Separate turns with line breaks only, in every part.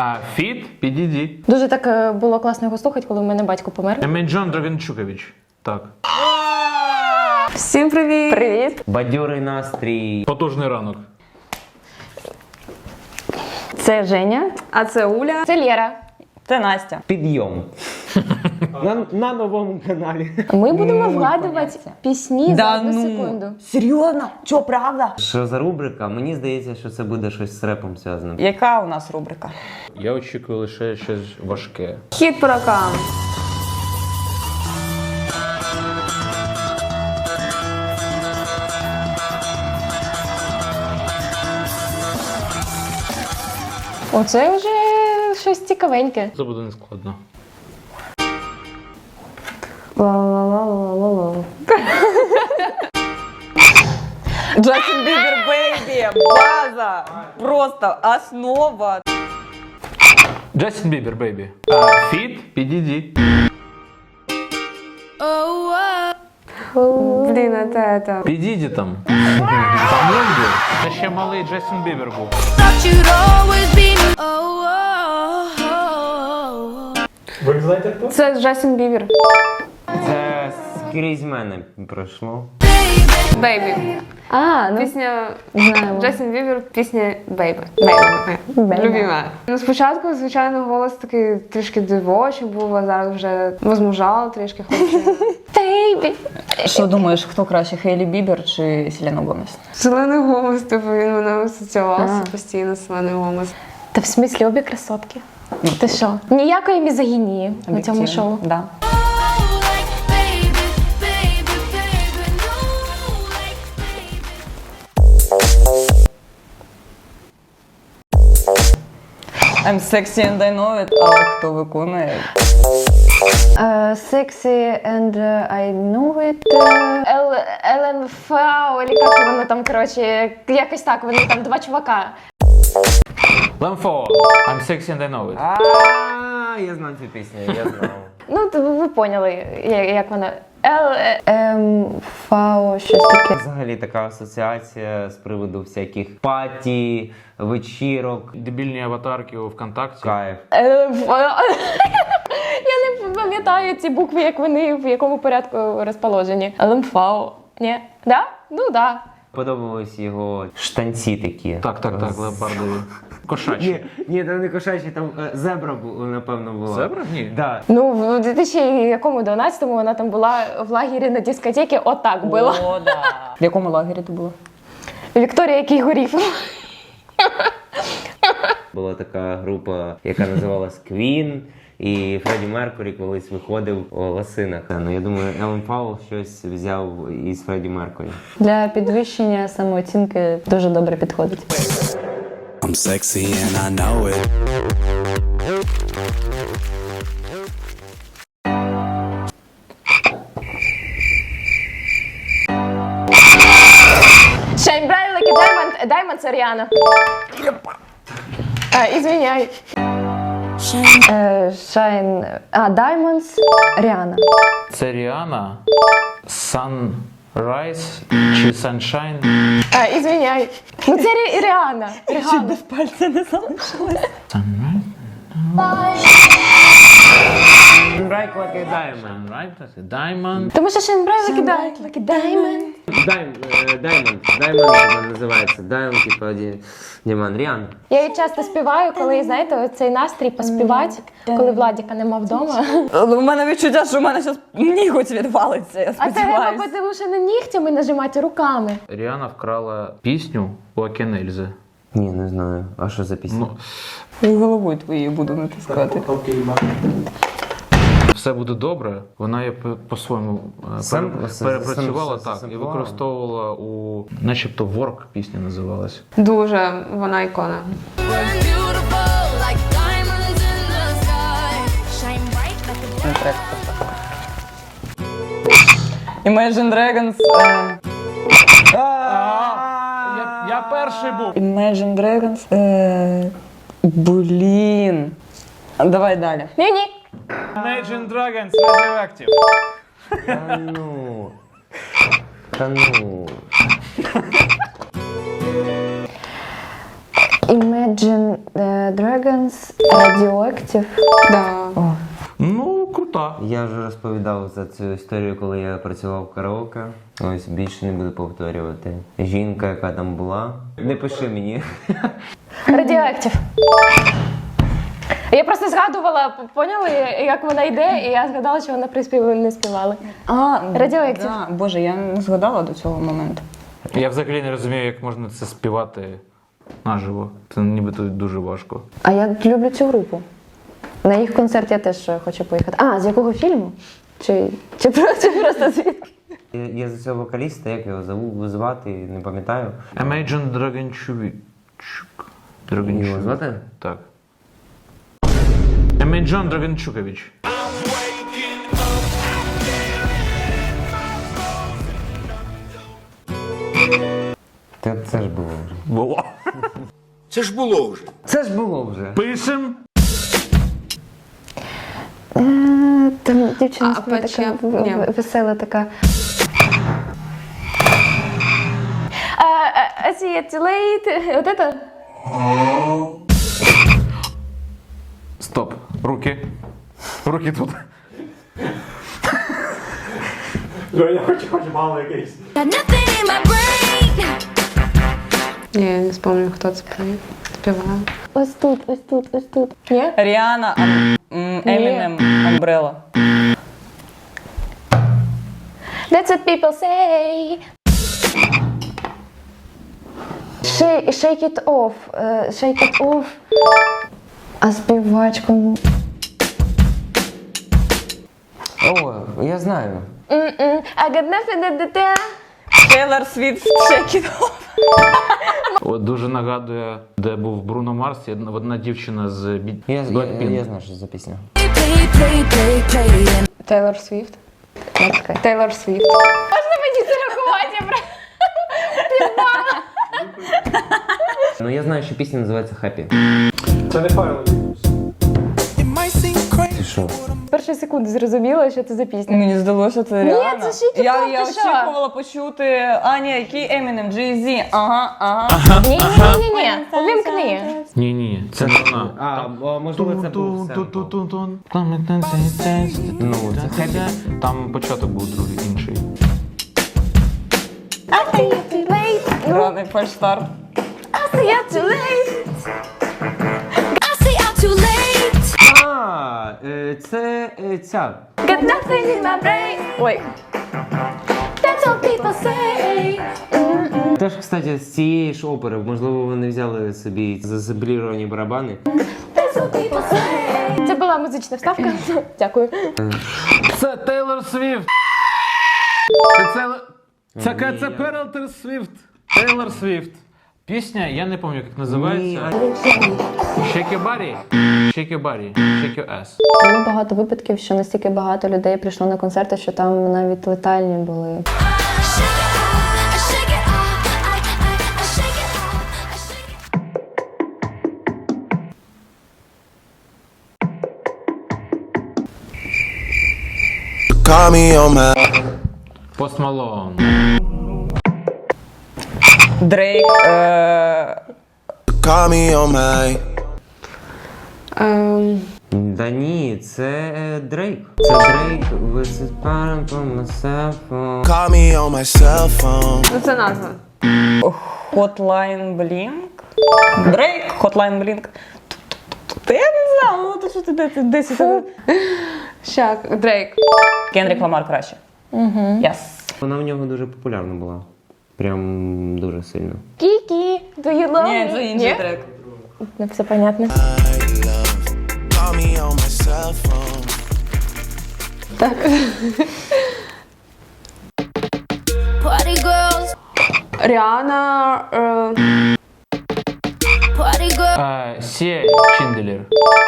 Фіт, підійді.
Дуже так було класно його слухати, коли в мене батько помер.
Емейджон Драгенчукович. Так.
Всім привіт! Привіт!
Бадьорий настрій.
Потужний ранок.
Це Женя.
А це Уля.
Це Лєра.
Це Настя.
Підйом. на новому каналі.
Ми будемо вгадувати пісні за одну секунду.
Серйозно? Чо, правда?
Що за рубрика? Мені здається, що це буде щось з репом зв'язане.
Яка у нас рубрика?
Я очікую лише щось важке.
Хіт по рокам.
Оце вже щось цікавеньке.
Це буде нескладно.
Ла-ла-ла-ла-ла-ла.
Джастін Бібер, бейбі, база, просто основа.
Джастін Бібер, бейбі. Фіт, підійді.
Блін, це.
Підійді там. Там люди. Це ще малий Джастін Бібер був.
Ви знаєте хто?
Це Джастін Бібер.
Це скрізь мене пройшло.
Бейбі. Ну
Пісня
знаємо.
Джастін Бібер, пісня Бейбі.
Бейбі.
Любима. Ну, спочатку, звичайно, голос такий трішки дивочий був, а зараз вже возмужала трішки, хочу.
Бейбі.
Що думаєш, хто краще, Хейлі Бібер чи Селена Гомес?
Зелений голос, типу, він мене асоціювався постійно з зелений голос.
Та в смислі обі красотки. Ти що? Ніякої мізогінії на цьому шоу.
Да. I'm sexy and I know it, але хто виконує?
Sexy and I know it. ЛНФ, или як воно там, коротше, якось так, вони там два чувака.
Лемфо. I'm sexy and I know it.
Я знаю цю пісню, я знав.
Ну, ви поняли, як вона. ЛМФ, щось таке.
Взагалі така асоціація з приводу всяких паті, вечірок,
Дебільні аватарки у ВКонтакті.
кайф.
ЛМФ. Я не пам'ятаю ці букви, як вони в якому порядку розположені. ЛМФ. Ні? Да? Ну, да.
Подобались його штанці такі.
Так, леопардові. Кошачі.
Ні, там не кошачі, там зебра, напевно, була.
Зебра? Ні.
Да.
Ну, в 2012-му вона там була в лагері на дискотеці, отак була.
О, да. В якому лагері ти була?
Вікторія Кігорів.
Була така група, яка називалась Queen, і Фредді Меркурі колись виходив у лосинах. Ну, я думаю, Елен Пауел щось взяв із Фредді Меркурі.
Для підвищення самооцінки дуже добре підходить.
I'm sexy and I know it.
Shine bright like a diamond. Diamond це Ріана. Ізвиняй. Shine... Diamonds Ріана.
Це Ріана. Sunrise чи Sunshine.
Ізвиняй. Ну це Ріана. Ріана.
Без пальця не залишилось.
Sunrise.
Right like a diamond.
Sunrise, that's a diamond.
Тому що Shine bright like a diamond.
Diamond вона називається. Diamond, типу, Діман. Ріан.
Я її часто співаю, коли, знаєте, цей настрій поспівати, коли Владіка нема вдома.
У мене відчуття, що у мене зараз ніготь відвалиться, я
А це треба
сподіваюся.
тому що не нігтями нажимати руками.
Ріана вкрала пісню у Акінельзи.
Ні, не знаю. А що за пісня?
Ну,
Головою твоєю буду натискати.
все буде добре. Вона її по-своєму перепрацювала так і використовувала у, начебто, Work пісня називалась.
Дуже вона ікона.
Imagine Dragons.
Я перший був.
Imagine Dragons. Блін. Давай далі.
Ні-ні.
Imagine Dragons Radioactive.
Та ну. Та ну.
Imagine Dragons, Radioactive.
Да.
Ну, крута.
Я вже розповідав за цю історію, коли я працював в караоке. Ось більше не буду повторювати. Жінка, яка там була. Не пиши мені.
Radioactive. Я просто згадувала, поняли, як вона йде, і я згадала, що вона приспіву не співала. Radioactive.
Да. Боже, я не згадала до цього моменту.
Я взагалі не розумію, як можна це співати наживо. Це нібито дуже важко.
А я люблю цю групу. На їх концерт я теж хочу поїхати. А, з якого фільму? Чи просто звідки?
Я за цього вокаліста, як його звати, не пам'ятаю.
Imagine Dragonchuk.
Його звати?
Так. Imagine Dragonchukovich.
Це ж було вже.
Було.
Це ж було вже.
Пишем.
Там дівчина
А,
така
ні.
весела така. I see it too late. Вот это?
Стоп. Руки. Руки тут.
Я хочу мало якийсь.
Ні, я не пам'ятаю, хто це співає.
Ось тут, ось тут, ось тут. Ні?
Ріана, Eminem, Umbrella.
That's what people say. Shake it off. Shake it off. А співачку?
О, я знаю.
I got nothing to do.
Taylor Swift, Shake It Off.
От дуже нагадує, де був Бруно Марс, і одна дівчина з
Я
Blackpink.
знаю, що це за пісня.
Тейлор Свіфт. Тейлор Свіфт.
Можна мені це рахувати?
Ну я знаю, що пісня називається Happy.
Це не Файл.
Ти що?
З першої секунди зрозуміла, що це за пісня.
Мені здалося, це Ріана.
це Shake It Off,
Я
ти що?
очікувала почути, який Eminem, Jay-Z. Ага.
Ні. Увімкни.
Ні, це не вона.
Можливо, це був Ну, це Happy.
Там початок був другий, інший.
I see it too late.
Раний фальштарт.
I see it too late.
Це ця.
Got nothing in my brain. Ой. That's what people say.
Теж, кстати, з цієї ж опери, можливо, вони взяли собі зазембліровані барабани.
That's what people say. Це була музична вставка. Дякую.
Це Тейлор Свіфт! Це Тейлор Свіфт! Тейлор Свіфт! Пісня, я не пам'ятаю, як називається. Shake your body. Shake your body. Shake your ass.
Було багато випадків, що настільки багато людей прийшло на концерти, що там навіть летальні були.
Call me on my
Post Malone.
Дрейк.
call me on my
Да ні, це Дрейк. Це Дрейк. Висипаємо по myself.
call me on my cell phone.
Ну це назва.
Hotline Blink. Дрейк, Hotline Blink. Та я не знаю, ну то що ти десь.
Щак, Дрейк.
Кендрік Ламар краще. Yes.
Вона в нього дуже популярна була. Прям дуже сильно.
Кікі, do you love
Ні,
me?
це інший трек.
Ну, все понятно.
Call me on my cell phone.
Party girls,
Ріана.
party girls.
Сія Чінделер.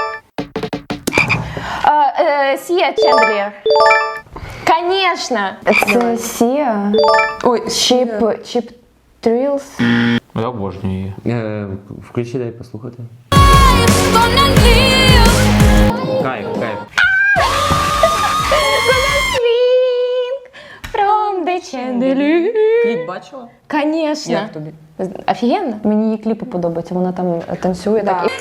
Сія Чендлер. Конечно. Це Сія.
Ой,
Чіп Трілс.
Я обожнюю її.
Включи, дай послухати.
Gonna live.
Кайф.
Swing from the chandelier.
Кліп бачила?
Конечно. Конечно.
Як тобі?
Офігенно. Мені її кліпи подобаються, вона там танцює
Да.
так.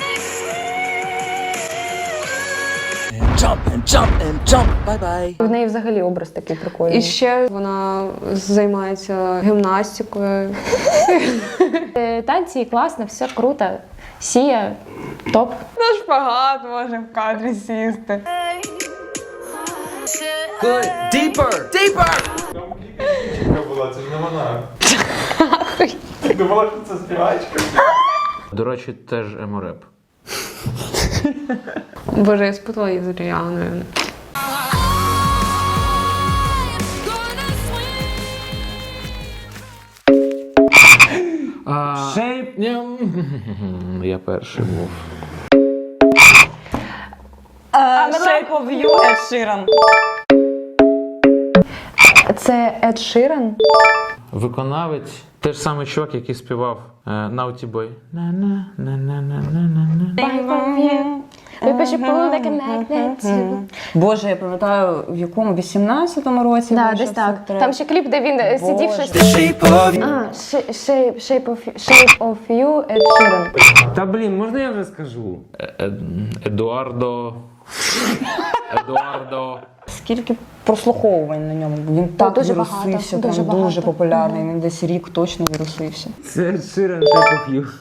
І в неї взагалі образ такий прикольний.
І ще вона займається гімнастикою.
Танці класно, все круто. Сія, топ.
На шпагат може в кадрі сісти.
Дівчинка була, це ж не вона. Думала, що це співачка.
До речі, теж емореп.
Боже, я спутала її з Ріаною.
Shape.
Я перший був.
Shape of You, Ed Sheeran.
Це Ед Ширан.
Виконавець, той ж самий чувак, який співав Naughty Boy. На-на-на-на-на-на-на.
Боже, я пам'ятаю, в якому 18-му році
Да,
вийшов
десь так.
цей трек.
Там ще кліп, де він сидів щось. Shape of You, Ed Sheeran.
Та блін, можна я вже скажу?
Едуардо.
Скільки прослуховувань на ньому. Він так
дуже
вірусився,
багато,
прям
дуже
дуже
багато.
популярний. Він десь рік точно вірусився.
Це Sheeran Shape of You.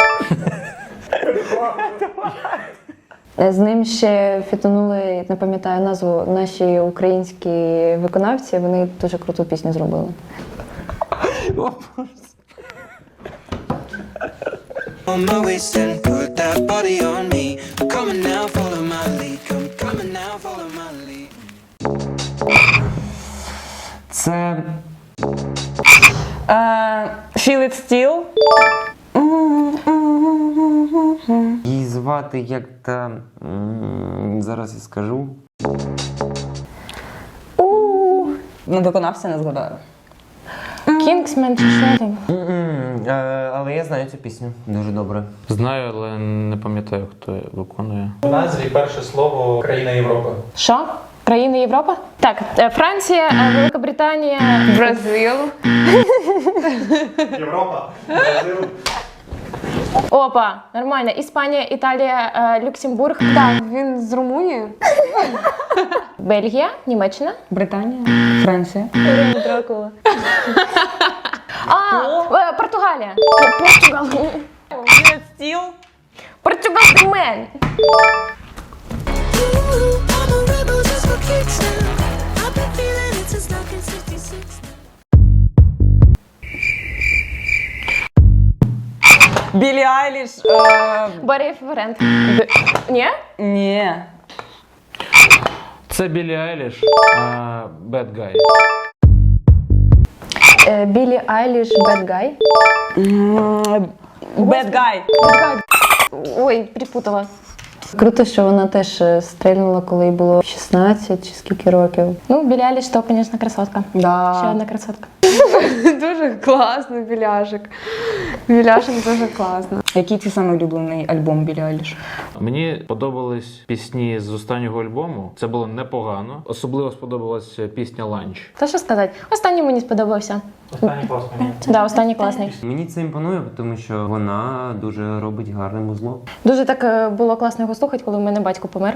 З ним ще фітонули, не пам'ятаю назву, наші українські виконавці. Вони дуже круту пісню зробили.
On my waist and put that body on me. I'm coming now, follow my lead. Come coming now, follow my lead.
Це
Feel It Still.
її звати як та. Зараз я скажу.
Ну, виконавця не згадаю.
Кінгсмен чи що там?
Але я знаю цю пісню дуже добре.
Знаю, але не пам'ятаю, хто виконує.
В назві перше слово країна Європи.
Що? Країни Європи? Так, Франція, Велика Британія.
Бразил.
Європа, Бразил.
Опа, нормально. Іспанія, Італія, Люксембург. Так.
Він з Румунії.
Бельгія, Німеччина.
Британія, Франція.
Дракула. Португалія. Португал.
Feel It Still.
Португал мен.
Ooh, I'm a rebel just for kicks now. I've been feeling it since 1966.
Білі Айліш.
Барі Ферент. Ні?
Ні.
Це Білі Айліш, Bad Guy.
Білі Айліш, Bad Guy.
Bad Guy.
Ой, припутала. Круто, що вона теж стрельнула, коли їй було 16 чи скільки років. Ну, Білі Айліш, то, звісно, красотка.
Да.
Ще одна красотка.
Дуже класний біляшик. Біляшик дуже класно.
Який твій самий улюблений альбом Білі Айліш?
Мені подобались пісні з останнього альбому. Це було непогано. Особливо сподобалась пісня «Ланч».
Та що сказати? Останній мені сподобався.
Останній клас мені.
Да, останній класний.
Мені це імпонує, тому що вона дуже робить гарне музло.
Дуже так було класно його слухати, коли в мене батько помер.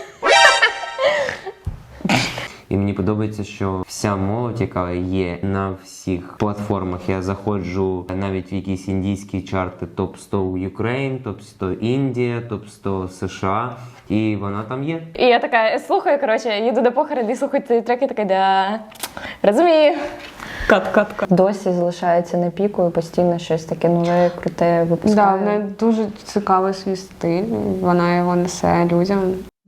І мені подобається, що вся молодь, яка є на всіх платформах, я заходжу навіть в якісь індійські чарти топ-100 Ukraine, топ-100 Індія, топ-100 США, і вона там є.
І я така слухаю, коротше, їду до похорону і слухаю ці треки, така, да, розумію.
Кат.
Досі залишається на піку і постійно щось таке нове, круте
Да,
випускає.
в неї дуже цікавий свій стиль. Вона його несе людям.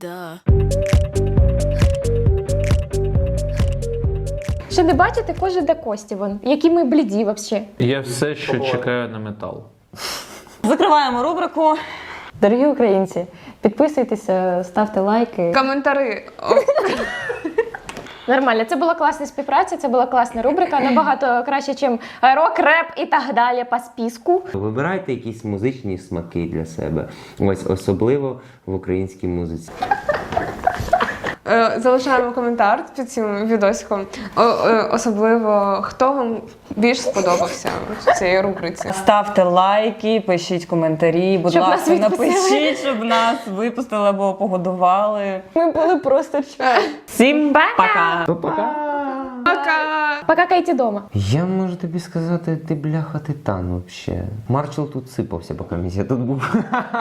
Ще не бачите, кожен до кості вон. Які ми бліді взагалі.
Я все ще чекаю на метал.
Закриваємо рубрику.
Дорогі українці, підписуйтеся, ставте лайки.
Коментари.
Нормально, це була класна співпраця, це була класна рубрика, набагато краще, ніж рок, реп і так далі по списку.
Вибирайте якісь музичні смаки для себе. Ось особливо в українській музиці.
Залишаємо коментар під цим відосиком. Особливо, хто вам більш сподобався в цій рубриці.
Ставте лайки, пишіть коментарі, будь
Щоб нас
ласка,
відпустили.
напишіть, щоб нас випустили або погодували.
Ми були просто
Всім пока!
Пока.
Покакайте дома.
Я можу тобі сказати, ти бляха титан вообще. Марчел тут сипався, поки я тут був.